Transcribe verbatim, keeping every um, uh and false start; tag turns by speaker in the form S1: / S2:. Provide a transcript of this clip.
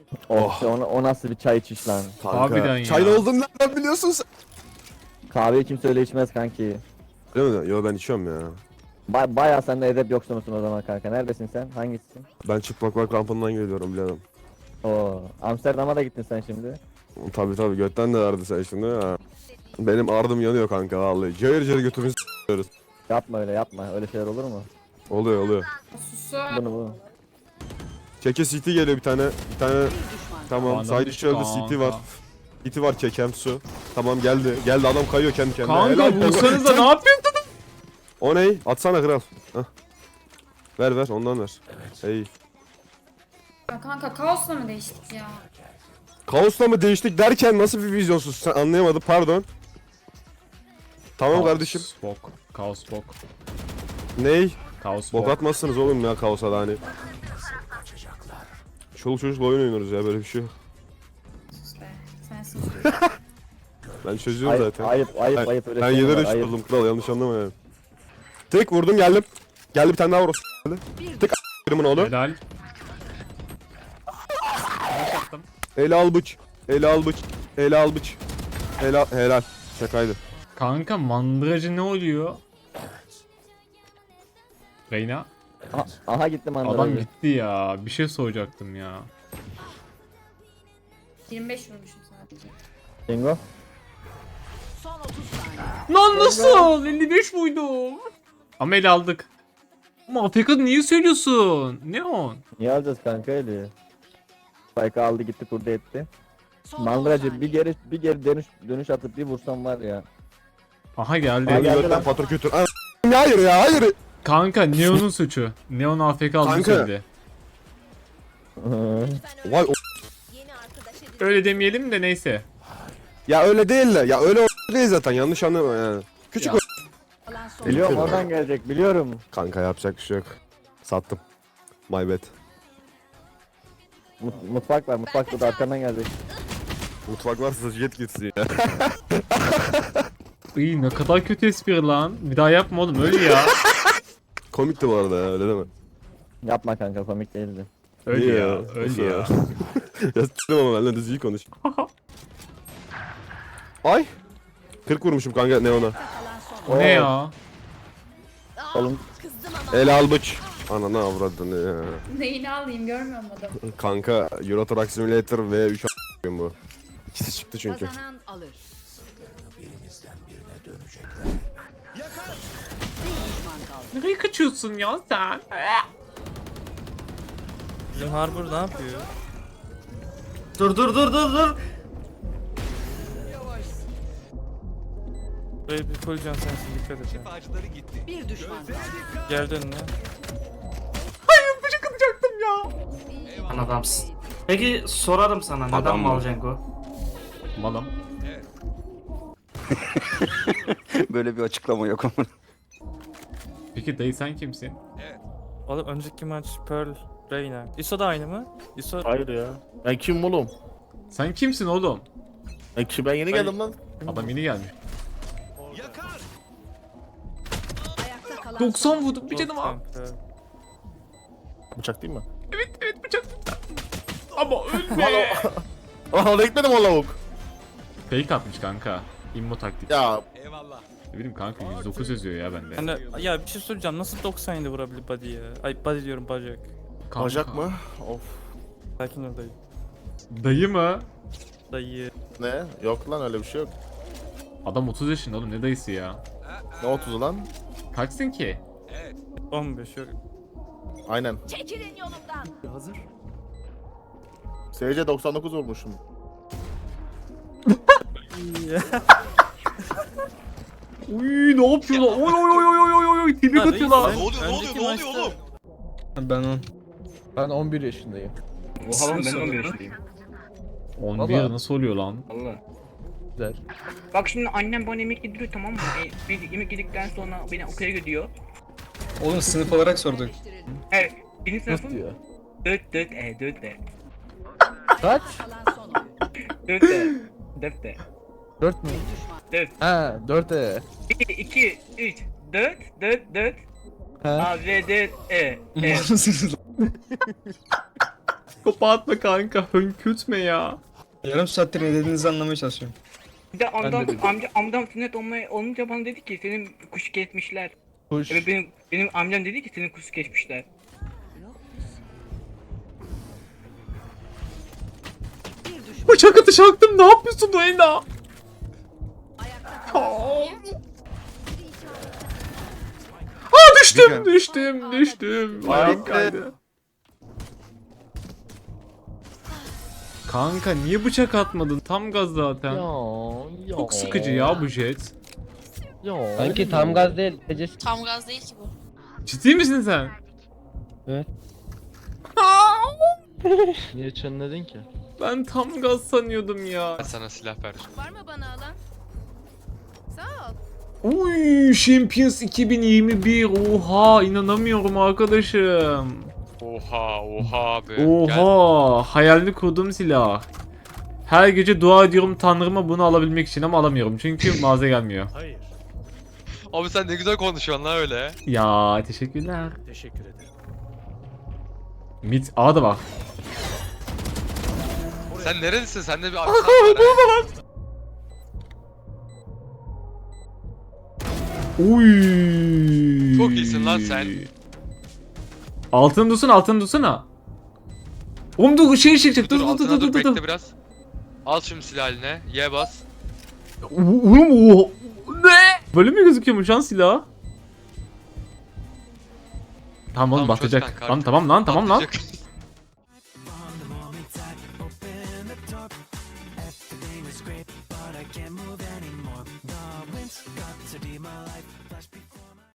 S1: Oh, o, o nasıl bir çay içiş lan.
S2: Kanka.
S3: Harbiden ya.
S2: Çaylı olduğunu nereden biliyorsun sen?
S1: Kahveyi kimse öyle içmez kanki.
S2: Değil mi? Yo ben içiyorum ya.
S1: Ba bayağı sen de edep yoksunusun o zaman kanka. Neredesin sen? Hangisisin?
S2: Ben çıplaklar kampından geliyorum biradım.
S1: Oo, Amsterdam'a da gittin sen şimdi.
S2: Tabi tabi götten de verdi sen şimdi ya. Benim ardım yanıyor kanka vallahi. Cayır cayır götümüzü s**yoruz.
S1: Yapma öyle yapma. Öyle şeyler olur mu?
S2: Oluyor oluyor.
S4: Susu.
S1: Bunu bu.
S2: Keke C T geliyor bir tane. Bir tane. Tamam.
S3: Anladım
S2: Side içi öldü
S3: kanka.
S2: C T var. C T var kekem su. Tamam geldi. Geldi adam kayıyor kendi kendine.
S3: Kanka
S2: Helal be.
S3: bulsanıza ne yapıyorsun?
S2: O ney? Atsana kral. Hah. Ver ver ondan ver. Ey.
S4: Ya kanka kaosla mı değiştik ya?
S2: Kaosla mı değiştik derken nasıl bir vizyonsuz sen anlayamadım pardon. Tamam kardeşim.
S3: Kaos bok. Kaos bok.
S2: Ney?
S3: Kaos
S2: Bok
S3: bok.
S2: atmazsınız oğlum ya kaosa da hani. Çoluk çocukla oyun oynuyoruz ya böyle bir şey yok.
S4: Sus be. Sensin.
S2: Ben çözüyorum
S1: Ayıp,
S2: zaten.
S1: ayıp ayıp
S2: Ben,
S1: ayıp öyle
S2: ben
S1: şey mi
S2: yedi
S1: var?
S2: üç
S1: Ayıp.
S2: buldum kral yanlış anlama yani. Tek vurdum geldim. Geldi bir tane daha vur. Geldi. Tek a**ımın oğlu.
S3: Helal. Flash attım.
S2: Ele al bıç. Ele al bıç. Ele al bıç. Ele al. Helal. Şakaydı.
S3: Kanka mandıracı ne oluyor? Reyna.
S1: Aha, aha gittim anladım.
S3: Adam gitti ya. Bir şey soracaktım ya.
S4: yirmi beş vurmuşum sadece.
S1: Bingo.
S3: Lan nasıl? elli beş muydum? Ama el aldık. Ama A F K niye söylüyorsun? Ne on?
S1: Niye alacağız kanka öyle? Spike aldı gitti kurdu etti. Mandıracı bir geri bir geri dönüş dönüş atıp bir vursam var ya.
S3: Aha geldi.
S1: Ay,
S2: Hadi
S1: geldi
S2: götten
S1: lan.
S2: patro kötü. Ana- Hayır ya hayır.
S3: Kanka Neon'un suçu. Neon A F K aldığını
S2: Kanka.
S3: söyledi.
S2: Vay o-
S3: Öyle demeyelim de neyse.
S2: Ya öyle değil de. Ya öyle o- değil zaten yanlış anlama yani. Küçük
S3: Ya.
S2: o-
S1: Biliyorum oradan gelecek biliyorum.
S2: Kanka yapacak bir şey yok. Sattım. My bad.
S1: Mut- mutfak var mutfakta da arkandan gelecek.
S2: Mutfak varsa jet gitsin ya.
S3: İyi ne kadar kötü espri lan. Bir daha yapma oğlum öyle ya.
S2: Komikti bu arada ya öyle deme.
S1: Yapma kanka komik değildi.
S3: Öyle
S2: İyi
S3: ya.
S2: ya,
S3: Öyle
S2: nasıl
S3: ya.
S2: ya? Ya s**tim ama benimle düzgün konuş. Ay. kırk vurmuşum kanka Neon'a.
S3: O ne ya?
S1: Oğlum
S2: El al bıç. Ananı avradını ya.
S4: Neyini alayım görmüyor musun adamı?
S2: Kanka Euro Truck Simulator V üç a**ayım bu. İkisi çıktı çünkü.
S5: Kazanan alır.
S3: Nereye kaçıyorsun ya sen?
S6: Bizim Harbor ne yapıyor? Dur dur dur dur dur. Böyle bir full can sensin dikkat et. ya.
S5: Bir düşman kaldı.
S6: Gel önüne.
S3: Bıçak atacaktım ya.
S7: Lan adamsın. Peki sorarım sana neden
S8: Adam mı?
S7: mal Cengo?
S3: Malım.
S8: Böyle bir açıklama yok ama.
S3: Peki dayı sen kimsin?
S6: Oğlum önceki maç Pearl, Reyna. ISO da aynı mı? ISO
S9: Hayır ya. Ben kim oğlum?
S3: Sen kimsin oğlum?
S9: Ben kim? Ben yeni geldim lan.
S3: Adam yeni gelmiş.
S5: Ayakta kalan
S3: doksan vurdum bir
S6: Çok
S3: canım var.
S6: kanka.
S9: Bıçak değil mi?
S3: Evet evet bıçak lütfen. Ama ölme.
S9: Aa oraya gitmedim o lavuk.
S3: Fake atmış kanka. İmmo taktik.
S9: Ya
S3: Ne bileyim kanka yüz dokuz yazıyor ya bende.
S6: Hani ya bir şey soracağım nasıl doksan yedi vurabilir body ya? Ay body diyorum bacak.
S3: Kanka.
S9: bacak mı? Of.
S6: Sakin ol dayı.
S3: Dayı mı?
S6: Dayı.
S9: Ne? Yok lan öyle bir şey yok.
S3: Adam otuz yaşında oğlum ne dayısı ya?
S9: Ne otuzu lan?
S3: Kaçsın ki?
S6: on beş yok.
S9: Aynen.
S5: çekilin yolumdan.
S9: S C doksan dokuz vurmuşum.
S3: Uy ne yapıyor lan? Oy oy oy oy oy oy oy tebrik
S6: Ha,
S3: atıyor lan.
S6: reis, ben önceki maçta-
S10: Ben on.
S9: Ben on bir yaşındayım.
S10: Oha lan ben on bir yaşındayım.
S3: on bir
S9: Vallahi.
S3: nasıl oluyor lan?
S10: Valla.
S9: Güzel.
S10: Bak şimdi annem bana yemek yediriyor tamam mı? E, bir yemek yedikten sonra beni okula gidiyor.
S5: Oğlum sınıf olarak sorduk.
S10: Evet. Birinci
S9: Nasıl
S10: sınıfım
S9: diyor?
S10: dört dört e dört e.
S9: Kaç?
S5: Kalan son oyun.
S10: dört e. dört e.
S9: dört mü?
S10: dört.
S9: Ha dört E.
S10: iki iki üç dört dört dört.
S9: Ha.
S10: A V dört E. E.
S3: Psikopat mı kanka? Hönkürtme ya.
S5: Yarım saattir ne dediğinizi anlamaya çalışıyorum.
S10: Bir de amcam, amca, amcam sünnet olmaya olunca bana dedi ki senin kuş kesmişler.
S9: Kuş.
S10: Evet benim benim amcam dedi ki senin kuş kesmişler.
S3: Bıçak atışı aktım. Ne yapıyorsun Reyna? Aa düştüm, düştüm, düştüm. Ayağım kaydı. Kanka niye bıçak atmadın? Tam gaz zaten.
S9: Ya, ya.
S3: Çok sıkıcı ya bu jet.
S9: Ya.
S1: Sanki tam gaz değil. Ece
S11: Tam gaz değil ki bu.
S3: Ciddi misin sen?
S1: Evet.
S9: Niye çınladın ki?
S3: Ben tam gaz sanıyordum ya.
S12: Sana silah ver.
S11: Var mı bana alan? Sağ ol.
S3: Uy, Champions iki bin yirmi bir. Oha, inanamıyorum arkadaşım.
S12: Oha oha abi. Gel.
S3: Oha, hayalini kurduğum silah. Her gece dua ediyorum Tanrıma bunu alabilmek için ama alamıyorum çünkü mağaza gelmiyor.
S12: Abi sen ne güzel konuşuyorsun lan öyle.
S3: Ya teşekkürler. Teşekkür ederim. Mid A da var.
S12: Sen nerelisin? Sende bir aksan var ha.
S3: Uy.
S12: Çok iyisin lan sen.
S3: Altını dursana, altını dursana. Oğlum dur şey çekecek.
S12: Dur
S3: Dur dur
S12: altına
S3: dur dur
S12: dur
S3: dur.
S12: bekle
S3: dur.
S12: biraz. Al şimdi silah eline. Y bas.
S3: Oğlum o ne? Böyle mi gözüküyormuş lan silah? Tamam oğlum
S12: Tamam, çöz
S3: batacak.
S12: kanka
S3: Tamam
S12: artık.
S3: tamam lan tamam lan.
S12: Atlayacak.